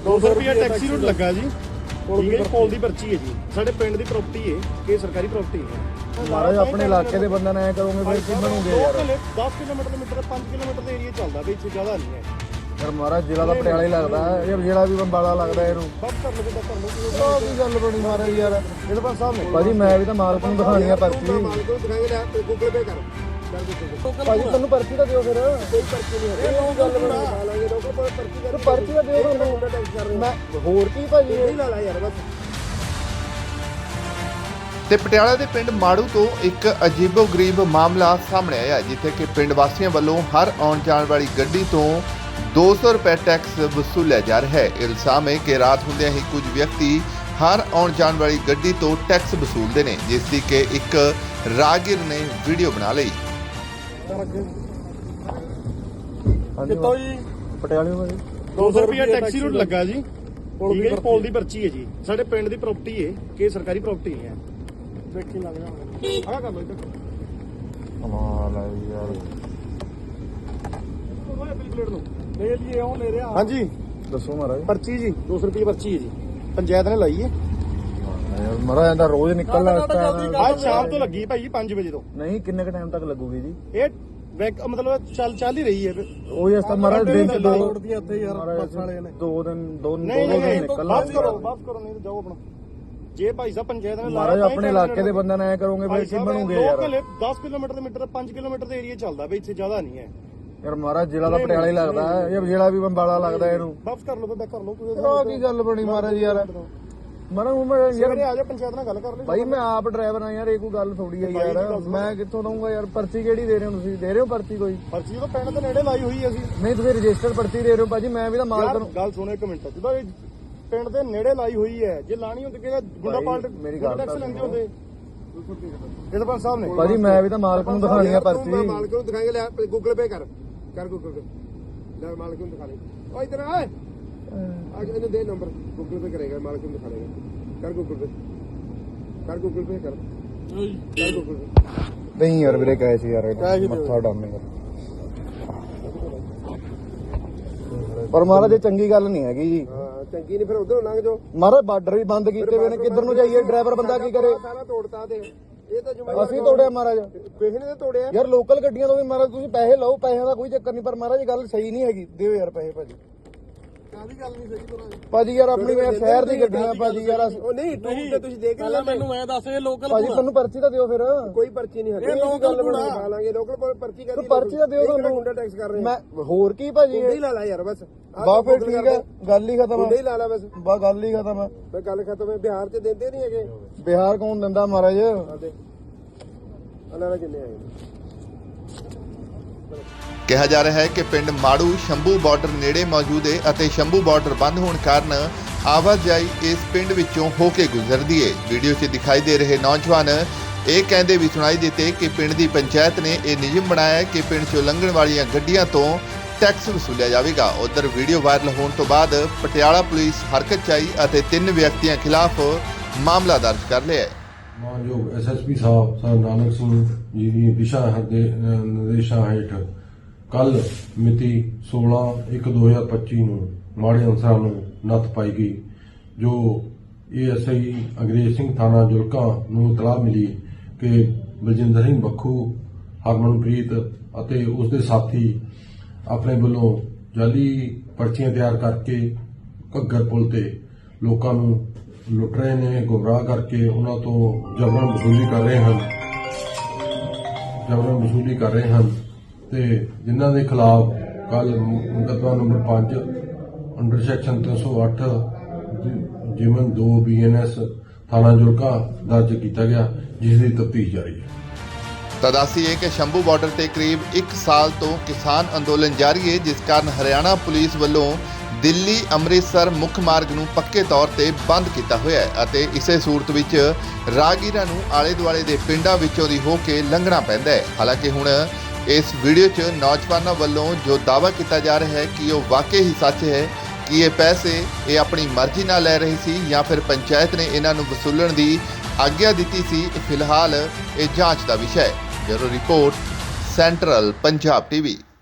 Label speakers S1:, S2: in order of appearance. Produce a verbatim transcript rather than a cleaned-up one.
S1: दो सौ रुपया टैक्सी रूट लगा जी। ठीक है, पोल की पर्ची है जी, साडे पिंड की प्रॉपर्टी है कि सरकारी प्रॉपर्टी है।
S2: महाराज अपने इलाके के बंदा ना करोगे फिर की बनोगे यार।
S1: दस किलोमीटर मीटर पाँच किलोमीटर का एरिया चलता भी, इतनी ज़्यादा नहीं है
S2: यार। महाराज जिला का पटियाला ही लगता है यार, जिला भी बंबाला लगता है इनू।
S1: बस कर लो बेटा, कर लो
S2: की गल बनी महाराज यार।
S1: सरपंच साहब ने
S2: भाजी मैं भी तो मालक नूं दिखानी है पर्ची।
S1: गूगल पे कर
S2: भाजी तैनूं पर्ची तो दिओ फिर।
S1: कोई पर्ची नहीं है,
S2: ਇਹ ਗੱਲ ਬਣਾ
S1: लाएंगे लोगों को पर्ची कर
S2: पर्ची तो दिओ ਤੁਹਾਨੂੰ। ਮੈਂ ਹੋਰ ਕੀ ਭਾਜੀ
S1: नहीं ला ला यार बस।
S3: ਤੇ ਪਟਿਆਲਾ ਦੇ ਪਿੰਡ ਮਾੜੂ ਤੋਂ ਇੱਕ ਅਜੀਬੋ-ਗਰੀਬ ਮਾਮਲਾ ਸਾਹਮਣੇ ਆਇਆ, ਜਿੱਥੇ ਕਿ ਪਿੰਡ ਵਾਸੀਆਂ ਵੱਲੋਂ ਹਰ ਆਉਣ ਜਾਣ ਵਾਲੀ ਗੱਡੀ ਤੋਂ ਦੋ ਸੌ ਰੁਪਏ ਟੈਕਸ ਵਸੂਲਿਆ ਜਾ ਰਿਹਾ ਹੈ। ਇਲਜ਼ਾਮ ਹੈ ਕਿ ਰਾਤ ਹੁੰਦਿਆਂ ਹੀ ਕੁਝ ਵਿਅਕਤੀ ਹਰ ਆਉਣ ਜਾਣ ਵਾਲੀ ਗੱਡੀ ਤੋਂ ਟੈਕਸ ਵਸੂਲਦੇ ਨੇ, ਜਿਸ ਦੀ ਕਿ ਇੱਕ ਰਾਹਗੀਰ ਨੇ ਵੀਡੀਓ ਬਣਾ ਲਈ।
S1: कितो जी
S2: ਪਟਿਆਲੇ ਭਾਜੀ
S1: दो सौ रुपया टैक्सी रूट लगा जी। ठीक है, पोल की पर्ची है जी, साडे पिंड की प्रॉपर्टी है कि सरकारी प्रॉपर्टी है। देखी लग रहा आ कर लो इधर
S2: ਕਮਾਲ ਹੈ ਯਾਰ।
S1: प्लेट लो ले लिए ओ ले रहा। हां जी
S2: ਦੱਸੋ महाराज।
S1: पर्ची जी दो सौ रुपये पर्ची है जी, पंचायत ने लाई है।
S2: ਯਾਰ महाराज ਇਹਦਾ ਰੋਜ਼ ਨਿਕਲਣਾ ਇਸ ਟਾਈਮ।
S1: आज शाम तो लगी भाई पाँच बजे तो।
S2: ਨਹੀਂ ਕਿੰਨੇ ਕ ਟਾਈਮ ਤੱਕ ਲੱਗੂਗੀ ਜੀ?
S1: ये वैक मतलब चल चल ही रही है।
S2: ਉਹ ਇਸ ਤਾਂ महाराज ਦਿਨ ਚ ਦੋ
S1: ਦੀਆਂ ਇੱਥੇ ਯਾਰ ਬੱਸ ਵਾਲੇ ਨੇ
S2: ਦੋ ਦਿਨ ਦੋ ਦੋ
S1: नहीं
S2: ਦਿਨ
S1: नहीं
S2: ਨਿਕਲਣਾ।
S1: वापस करो वापस करो, नहीं तो जाओ अपना। जे भाई साहब पंचायत ने
S2: महाराज अपने इलाके के बंदा ना करोगे फिर की बनोगे यार।
S1: दस किलोमीटर मीटर पाँच किलोमीटर का एरिया चलता भी, इतनी ज्यादा नहीं है
S2: यार। महाराज जिला का पटियाला ही लगता है यार, जिला भी बंबाला लगता है इनू।
S1: वापस कर लो बेटा, कर लो
S2: की गल बनी महाराज यार। महाराज मैं यार
S1: आ जाओ पंचायत ਨਾਲ ਗੱਲ ਕਰ ਲੈ
S2: भाई मैं आप ड्राइवर हाँ यार, ये कोई गल थोड़ी है यार। मैं कितों दूंगा यार? पर्ची केड़ी दे रहे हो तुसीं? दे रहे हो पर्ची कोई?
S1: पर्ची तो ਪਿੰਡ ਦੇ ਨੇੜੇ ਲਾਈ ਹੋਈ ਹੈ ਅਸੀਂ।
S2: नहीं तुसीं रजिस्टर्ड पर्ची दे रहे हो भाजी, मैं भी तो मालक हूं।
S1: ਗੱਲ ਸੁਣੋ ਇੱਕ ਮਿੰਟ, ਜਦੋਂ ਇਹ ਪਿੰਡ ਦੇ ਨੇੜੇ ਲਾਈ ਹੋਈ ਹੈ, ਜੇ ਲਾਣੀ ਹੁੰਦੀ ਕਿ ਗੁੰਡਾ ਪਾਲਟ
S2: ਮੇਰੀ ਗੱਲ
S1: ਟੈਕਸ ਲੈਂਦੇ ਹੁੰਦੇ ਇਹ ਸਰਪੰਚ ਸਾਹਿਬ ਨੇ।
S2: भाजी मैं भी तो मालक ਨੂੰ ਦਿਖਾਣੀ ਹੈ पर्ची।
S1: ਮਾਲਕ ਨੂੰ ਦਿਖਾਏਗਾ, ਲੈ ਗੂਗਲ ਪੇ ਕਰ ਕਰ ਗੂਗਲ ਪੇ, ਲੈ ਮਾਲਕ ਨੂੰ ਦਿਖਾ ਲੈ। ਓ ਇਧਰ ਆ ਆ ਕੇ ਇਹਨੂੰ ਦੇ ਨੰਬਰ, ਗੂਗਲ ਪੇ ਕਰੇਗਾ, ਮਾਲਕ ਨੂੰ ਦਿਖਾ ਲੇਗਾ। ਕਰ ਗੂਗਲ ਪੇ ਕਰ ਗੂਗਲ ਪੇ ਕਰ ਕਰ ਗੂਗਲ ਪੇ।
S2: नहीं यार ਵੀਰੇ ਕਹੇ ਸੀ ਯਾਰ, ਮੱਥਾ ਡਾਮੇ ਯਾਰ। ਪਰ ਮਹਾਰਾਜ ਇਹ ਚੰਗੀ ਗੱਲ ਨਹੀਂ ਹੈਗੀ ਜੀ।
S1: ਹਾਂ ਚੰਗੀ ਨਹੀਂ, ਫਿਰ ਉਧਰੋਂ ਲੰਘ ਜਾਓ।
S2: ਮਹਾਰਾਜ ਬਾਰਡਰ ਵੀ ਬੰਦ ਕੀਤੇ ਹੋਏ ਨੇ, ਕਿੱਧਰ ਨੂੰ ਜਾਈਏ? ਡਰਾਈਵਰ ਬੰਦਾ ਕੀ ਕਰੇ?
S1: ਸਾਰਾ ਤੋੜਤਾ ਤੇ ਇਹ ਤਾਂ ਜ਼ਿੰਮੇਵਾਰ
S2: ਅਸੀਂ ਤੋੜਿਆ ਮਹਾਰਾਜ
S1: ਕਿਸੇ ਨੇ ਤਾਂ ਤੋੜਿਆ
S2: ਯਾਰ। ਲੋਕਲ ਗੱਡੀਆਂ ਤੋਂ ਵੀ ਮਹਾਰਾਜ ਤੁਸੀਂ ਪੈਸੇ ਲਓ, ਪੈਸਿਆਂ ਦਾ ਕੋਈ ਚੱਕਰ ਨਹੀਂ, ਪਰ ਮਹਾਰਾਜ ਇਹ ਗੱਲ ਸਹੀ ਨਹੀਂ ਹੈਗੀ। ਦਿਓ ਯਾਰ ਪੈਸੇ ਭਾਜੀ।
S1: ਕਾਹਦੀ ਗੱਲ ਨਹੀਂ ਸਹੀ ਤੋੜਾ
S2: ਭਾਜੀ ਯਾਰ ਆਪਣੀ ਯਾਰ ਸ਼ਹਿਰ ਦੀ ਗੱਡੀਆਂ ਭਾਜੀ ਯਾਰ।
S1: ਉਹ ਨਹੀਂ ਟੂਰ ਤੇ ਤੁਸੀਂ ਦੇਖ ਲੈ, ਮੈਨੂੰ ਮੈਂ ਦੱਸ ਇਹ ਲੋਕਲ
S2: ਭਾਜੀ ਤੁਹਾਨੂੰ ਪਰਚੀ ਤਾਂ ਦਿਓ ਫਿਰ।
S1: ਕੋਈ ਪਰਚੀ ਨਹੀਂ ਹੈ, ਇਹ ਲੋਕਲ ਬਣਾ ਲਾਂਗੇ। ਲੋਕਲ ਪਰਚੀ ਕਰ,
S2: ਪਰਚੀ ਤਾਂ ਦਿਓ ਤੁਹਾਨੂੰ।
S1: ਗੁੰਡਾ ਟੈਕਸ ਕਰ ਰਹੇ
S2: ਮੈਂ ਹੋਰ ਕੀ ਭਾਜੀ?
S1: ਗੁੰਡਾ ਹੀ ਲਾ ਲਾ ਯਾਰ ਬਸ।
S2: ਬਾ ਫਿਰ ਠੀਕ ਹੈ, ਗੱਲ ਹੀ ਖਤਮ
S1: ਗੁੰਡਾ
S2: ਹੈ।
S1: ਹੀ ਲਾ ਲਾ ਬਸ,
S2: ਬਾ ਗੱਲ ਹੀ ਖਤਮ ਹੈ।
S1: ਬਈ ਗੱਲ ਖਤਮ ਹੈ। ਬਿਹਾਰ ਚ ਦਿੰਦੇ ਨਹੀਂ ਹੈਗੇ।
S2: ਬਿਹਾਰ ਕੌਣ ਦਿੰਦਾ ਮਹਾਰਾਜ?
S1: ਆਦੇ ਅਲਾਰਾ ਕਿੰਨੇ ਆਏ
S3: ਕਿਹਾ ਜਾ ਰਿਹਾ ਹੈ ਕਿ ਪਿੰਡ ਮਾੜੂ ਸ਼ੰਭੂ ਬਾਰਡਰ ਨੇੜੇ ਮੌਜੂਦ ਹੈ ਅਤੇ ਸ਼ੰਭੂ ਬਾਰਡਰ ਬੰਦ ਹੋਣ ਕਾਰਨ ਆਵਾਜਾਈ ਇਸ ਪਿੰਡ ਵਿੱਚੋਂ ਹੋ ਕੇ ਗੁਜ਼ਰਦੀ ਹੈ। ਵੀਡੀਓ 'ਚ ਦਿਖਾਈ ਦੇ ਰਹੇ ਨੌਜਵਾਨ ਇਹ ਕਹਿੰਦੇ ਵੀ ਸੁਣਾਈ ਦਿੱਤੇ ਕਿ ਪਿੰਡ ਦੀ ਪੰਚਾਇਤ ਨੇ ਇਹ ਨਿਯਮ ਬਣਾਇਆ ਹੈ ਕਿ ਪਿੰਡ 'ਚੋਂ ਲੰਘਣ ਵਾਲੀਆਂ ਗੱਡੀਆਂ ਤੋਂ ਟੈਕਸ ਵਸੂਲਿਆ ਜਾਵੇਗਾ। ਉਧਰ ਵੀਡੀਓ ਵਾਇਰਲ ਹੋਣ ਤੋਂ ਬਾਅਦ ਪਟਿਆਲਾ ਪੁਲਿਸ ਹਰਕਤ 'ਚ ਆਈ ਅਤੇ ਤਿੰਨ ਵਿਅਕਤੀਆਂ ਖਿਲਾਫ ਮਾਮਲਾ ਦਰਜ ਕਰ ਲਿਆ ਹੈ।
S4: ਮਾਨਯੋਗ S S P sahib sir Nanak Singh ji ਦੀ ਦਿਸ਼ਾ ਨਿਰਦੇਸ਼ਾਂ ਹੇਠ ਕੱਲ ਮਿਤੀ ਸੋਲਾਂ ਇੱਕ ਦੋ ਹਜ਼ਾਰ ਪੱਚੀ ਨੂੰ ਮਾੜੇ ਅਨਸਰਾਂ ਨੂੰ ਨੱਥ ਪਾਈ ਗਈ, ਜੋ ਏ ਐਸ ਆਈ ਅੰਗਰੇਜ਼ ਸਿੰਘ ਥਾਣਾ ਜੁਲਕਾ ਨੂੰ ਇਤਲਾਹ ਮਿਲੀ ਕਿ ਬਲਜਿੰਦਰ ਸਿੰਘ ਬੱਖੂ, ਹਰਮਨਪ੍ਰੀਤ ਅਤੇ ਉਸ ਦੇ ਸਾਥੀ ਆਪਣੇ ਵੱਲੋਂ ਜਾਲੀ ਪਰਚੀਆਂ ਤਿਆਰ ਕਰਕੇ ਘੱਗਰ ਪੁਲ ਤੇ ਲੋਕਾਂ ਨੂੰ ਲੁੱਟ ਰਹੇ ਨੇ, ਗੁੰਮਰਾਹ ਕਰਕੇ ਉਹਨਾਂ ਤੋਂ ਜਬਰਨ ਵਸੂਲੀ ਕਰ ਰਹੇ ਹਨ ਜਬਰਨ ਵਸੂਲੀ ਕਰ ਰਹੇ ਹਨ ਤੇ ਜਿਨ੍ਹਾਂ ਦੇ ਖਿਲਾਫ ਕੱਲ ਮੁਕੱਦਮਾ ਨੰਬਰ ਪੰਜ ਅੰਡਰ ਸੈਕਸ਼ਨ ਤਿੰਨ ਸੌ ਅੱਠ ਜਿਮਨ ਦੋ ਬੀ ਐਨ ਐਸ ਥਾਣਾ ਜੁਲਕਾ ਦਰਜ ਕੀਤਾ ਗਿਆ, ਜਿਸ ਦੀ ਤਫਤੀਸ਼ ਜਾਰੀ ਹੈ।
S3: ਤਾਂ ਦੱਸੀਏ ਕਿ ਸ਼ੰਭੂ ਬਾਰਡਰ ਤੇ ਕਰੀਬ ਇੱਕ ਸਾਲ ਤੋਂ ਕਿਸਾਨ ਅੰਦੋਲਨ ਜਾਰੀ ਹੈ, ਜਿਸ ਕਾਰਨ ਹਰਿਆਣਾ ਪੁਲਿਸ ਵੱਲੋਂ ਦਿੱਲੀ ਅੰਮ੍ਰਿਤਸਰ ਮੁੱਖ ਮਾਰਗ ਨੂੰ ਪੱਕੇ ਤੌਰ ਤੇ ਬੰਦ ਕੀਤਾ ਹੋਇਆ ਹੈ ਅਤੇ ਇਸੇ ਸੂਰਤ ਵਿੱਚ ਰਾਹਗੀਰਾਂ ਨੂੰ ਆਲੇ ਦੁਆਲੇ ਦੇ ਪਿੰਡਾਂ ਵਿੱਚੋਂ ਦੀ ਹੋ ਕੇ ਲੰਘਣਾ ਪੈਂਦਾ ਹੈ। ਹਾਲਾਂਕਿ ਹੁਣ ਇਸ ਵੀਡੀਓ 'ਚ ਨੌਜਵਾਨਾਂ ਵੱਲੋਂ ਜੋ ਦਾਅਵਾ ਕੀਤਾ ਜਾ ਰਿਹਾ ਹੈ ਕਿ ਉਹ ਵਾਕਈ ਹੀ ਸੱਚ ਹੈ ਕਿ ਇਹ ਪੈਸੇ ਇਹ ਆਪਣੀ ਮਰਜ਼ੀ ਨਾਲ ਲੈ ਰਹੇ ਸੀ ਜਾਂ ਫਿਰ ਪੰਚਾਇਤ ਨੇ ਇਹਨਾਂ ਨੂੰ ਵਸੂਲਣ ਦੀ ਆਗਿਆ ਦਿੱਤੀ ਸੀ, ਫਿਲਹਾਲ ਇਹ ਜਾਂਚ ਦਾ ਵਿਸ਼ਾ ਹੈ। Bureau report, central Punjab TV.